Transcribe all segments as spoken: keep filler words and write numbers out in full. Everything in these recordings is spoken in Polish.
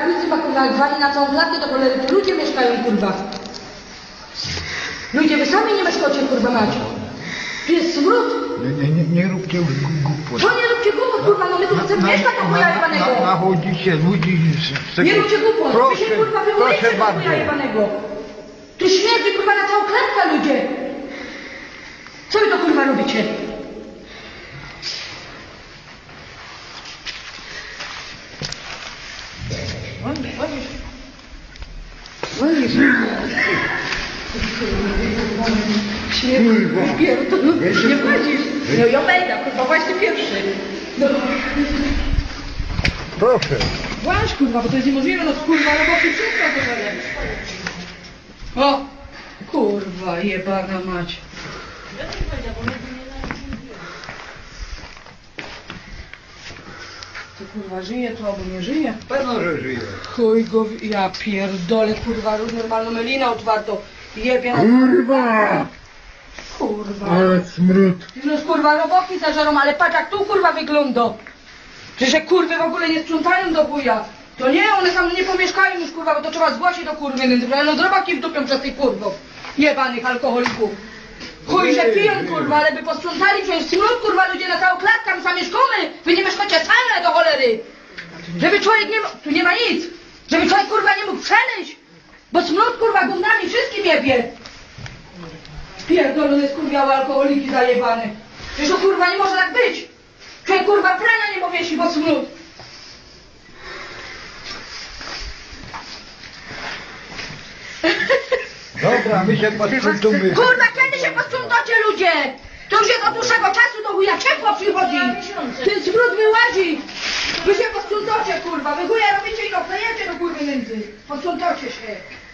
prawnicy pakonali na całą klatkę, to cholery, tu ludzie mieszkają, kurwa. Ludzie, wy sami nie mieszkacie, kurwa, macie. Tu jest smród. Nie, nie, nie róbcie już głupot. Co nie róbcie głupot, kurwa, no my tu chcemy mieszkać na chuja jebanego. Nachodzicie ludzi z tego... Nie róbcie głupot, wy się, kurwa, wyłujecie na chuja jebanego. Tu śmierdzi, kurwa, na całą klatkę, ludzie. Co wy to, kurwa, robicie? Wolisz. Śmierć, pierdol, nie wchodzisz. No ja będę, kurwa, właśnie pierwszy. No. Proszę. Właź, kurwa, bo to jest niemożliwe, no kurwa, roboty wszystko to będzie. O! Kurwa, jebana mać. To kurwa żyje to albo nie żyje? Pewno, że żyje. Chuj go, w- ja pierdolę, kurwa, normalną melinę otwartą. Jebie na... Kurwa! Kurwa. Ale smród. No kurwa, roboki zażarą, ale patrz jak tu kurwa wygląda. Że się kurwy w ogóle nie sprzątają do chuja. To nie, one tam nie pomieszkają już kurwa, bo to trzeba zgłosić do kurwy. No robaki wdupią przez tych kurwów. Jebanych alkoholików. Chuj, że piją kurwa, ale by posprzątali, przecież smród kurwa, ludzie na całą klatkę, my sami mieszkamy. Wy nie mieszkacie same do cholery. Żeby człowiek nie mógł, tu nie ma nic. Żeby człowiek kurwa nie mógł przemyśl. Bo smród kurwa gównami wszystkim jebie. Pierdolone skurwiałe alkoholiki zajebane. Przecież to kurwa nie może tak być. Człowiek kurwa prania nie powiesi, bo smród. Dobra, my się posprzątamy. Kurwa, kiedy się posprzątacie ludzie? To już jest od dłuższego czasu do chuja ciepło przychodzi. Ten smród wyłazi. Wy się posprzątacie kurwa. Wy chuja robicie i go klejecie do kurwy między. Posprzątacie się.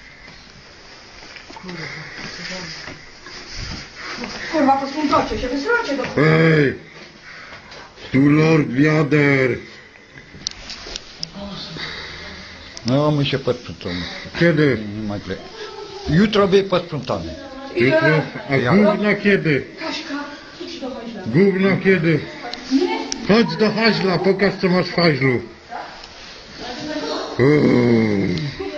Kurwa, posprzątacie się. Wysrocie do kurwa. Hej! Tu Lord Wiader! No, my się posprzątamy. Kiedy? Nie ma źle. Jutro będzie posprzątany. Jutro? A Ja. gówna kiedy? Kaśka, idź do haźla. Gówna kiedy? Nie? Chodź do haźla, pokaż co masz w haźlu. Uuu,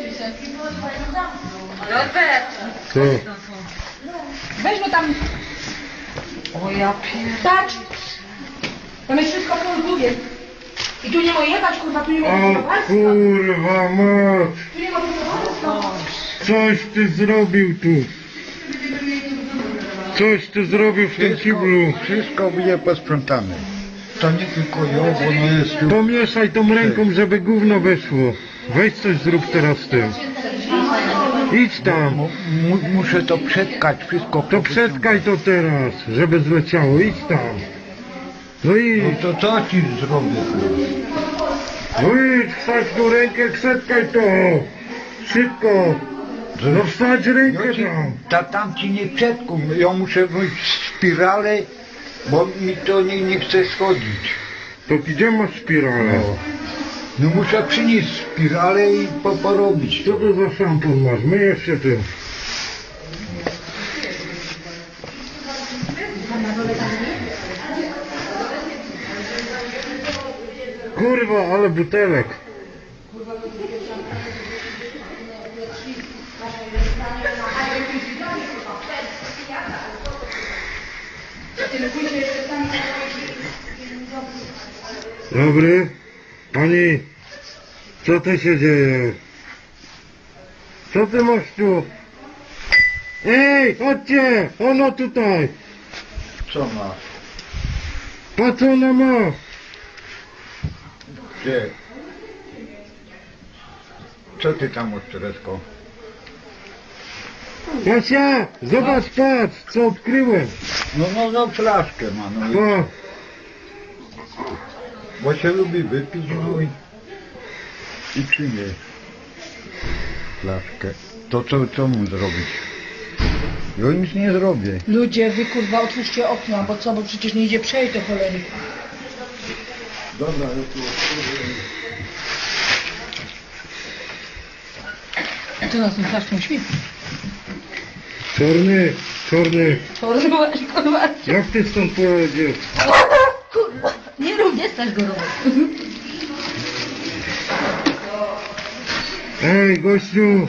Robert. co? Weź go tam. O ja pierdacz. Tam jest wszystko polguje. I tu nie ma jebać, kurwa, tu nie ma O budowarstwa. kurwa mać! Tu nie ma budowarstwa. Coś ty zrobił tu! Coś ty zrobił w tym kiblu! Wszystko będzie posprzątane. To nie tylko ja, bo ono jest tu. Pomieszaj tą ręką, żeby gówno weszło. Weź coś zrób teraz z tym. Idź tam. Mu, mu, muszę to przetkać, wszystko. To przetkaj to teraz, żeby zleciało. Idź tam. No i No to co ci zrobię? no idź, wsadź tu rękę, przetkaj to. Szybko. No wsadź rękę Ja ci, tam. ta, tam ci nie przetkum. Ja muszę wejść w spiralę, bo mi to nie, nie chce schodzić. To gdzie masz spiralę? No. No muszę przynieść spiralę i po, porobić Co to. to za szampon masz? Myjesz się tym. Kurwa, ale butelek. Dobry. Pani, co tu się dzieje? Co ty masz tu? Ej, chodźcie! Ono tutaj! Co masz? Po co ona ma? Gdzie? Co ty tam odczeresko? Kasia, zobacz, patrz, co odkryłem. No, no, no, flaszkę ma, no. i- O, Bo się lubi wypić, no i... I przynieść flaszkę. To co, co mu zrobić? Ja nic nie zrobię. Ludzie, wy kurwa otwórzcie okno, bo co, bo przecież nie idzie przejść do cholery. Dobra, ja tu Co nas tym flaszką śpi? czarny, czarny. Kurwa, kurwa. Jak ty stąd pojedziesz? Kurwa, nie rób, nie stać go robić. Ej, gościu!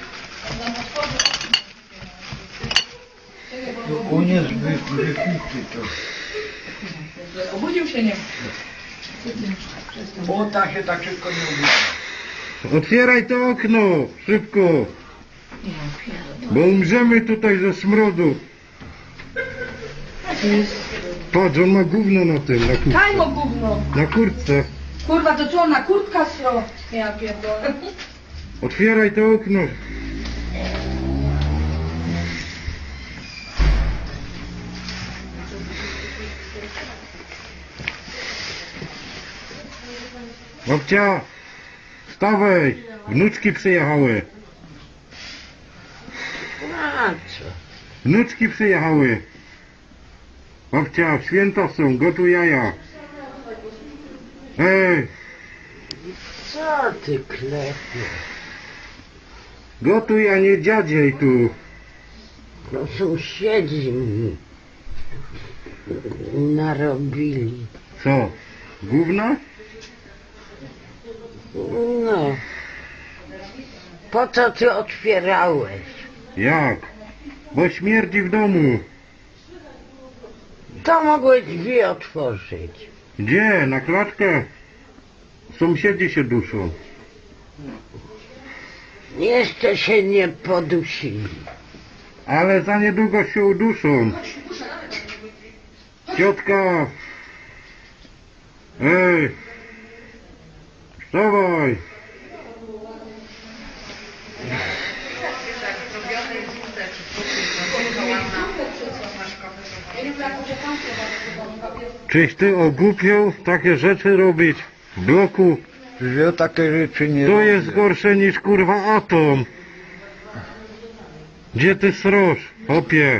On jest wy, wypity to. Obudził się, nie? Bo ta się tak szybko nie ubiera. Otwieraj to okno! Szybko! Bo umrzemy tutaj ze smrodu. Patrz, on ma gówno na tym, na kurtce. Daj mu gówno. Na kurtce. Kurwa, to co, na kurtka stro? Ja pierdolę. Otwieraj to okno. Babcia, wstawaj, wnuczki przyjechały. A co? Wnuczki przyjechały. Babcia, święta są, gotuj jaja. Ej, Co ty klepiesz? gotuj, a nie dziadziej tu. No sąsiedzi mi narobili. Co, gówna? No. Po co ty otwierałeś? Jak? Bo śmierdzi w domu. To mogłeś drzwi otworzyć. Gdzie? Na klatkę? Sąsiedzi się duszą. Jeszcze się nie podusili. Ale za niedługo się uduszą. Ciotka! Ej! Wstawaj! Czyś ty ogłupiał takie rzeczy robić w bloku? Że ja takie rzeczy nie To robię. jest gorsze niż kurwa atom. Gdzie ty sroż, opie?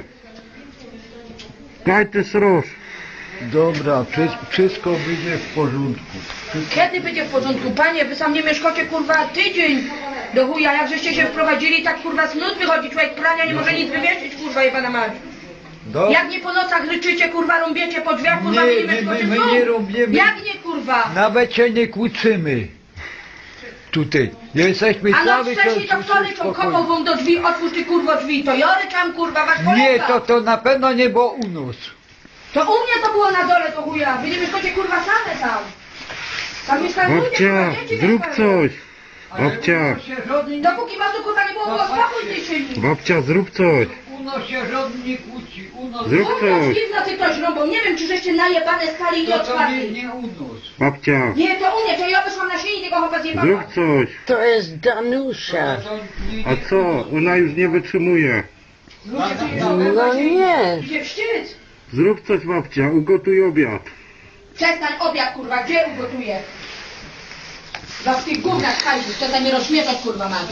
Daj ty sroż. Dobra, wszy- wszystko będzie w porządku. Kiedy będzie w porządku? Panie, wy sam nie mieszkacie kurwa tydzień do chuja, jak żeście się wprowadzili, tak kurwa z nut wychodzi, człowiek prania nie może nic wywieszyć, kurwa jebana mać. Do... Jak nie po nocach ryczycie, kurwa, rąbiecie po drzwiach, kurwa, Nie, wy nie my- mieszkacie my- w my domu. nie rąbiemy. Jak nie, kurwa? Nawet się nie kłócimy. Tutaj. Jesteśmy A no cały wcześniej to czas kto ryczą, spokojni. kopał wam do drzwi, otwórz ty kurwo drzwi, to ja ryczam, kurwa, wasz kolega. Nie, to, to na pewno nie było u nas. To u mnie to było na dole, to chuja, wy nie mieszkacie, kurwa, same tam. Tam mieszkają ludzie, kurwa, Babcia, dzieci zrób mieszkają. coś. Babcia, Dopóki was tu, kurwa, nie było, było spokój w tej sieni. babcia, zrób coś. U nas się żaden nie kłóci. U nas Zrób U coś. nas dziwna ty ktoś rąbą, nie wiem, czy żeście najebane skali i nie to, to nie, otwarli. nie u nas. Babcia, Nie, to u mnie, to ja wyszłam na sieni, tego chłopa zjebała. zrób coś. To jest Danusza. To nie- A co? Ona już nie wytrzymuje. Ludzie tu No nie. Idzie wstyd. Zrób coś, babcia, ugotuj obiad. Przestań obiad, kurwa, gdzie ugotuję? Za w tych gównach hajdu, przestań mnie rozśmieszać, kurwa, mam.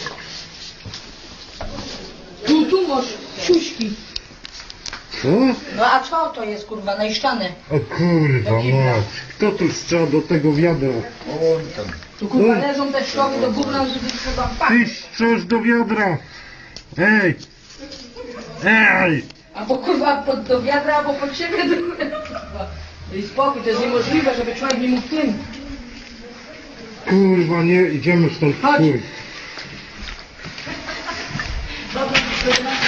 Tu, tu masz siuśki. Co? No a co to jest, kurwa, najszczane? O kurwa mać. Kto tu strzał do tego wiadra? On tam. Tu, kurwa, leżą te szkoły do gówna, żeby trzeba Ty wpaść. strzasz do wiadra. Ej! Ej! Albo, kurwa, pod, do wiadra, albo pod siebie. Do... I spokój, to jest niemożliwe, żeby człowiek nie mógł tym. Kurwa, nie, idziemy stąd w Chodź. chuj. Dobra,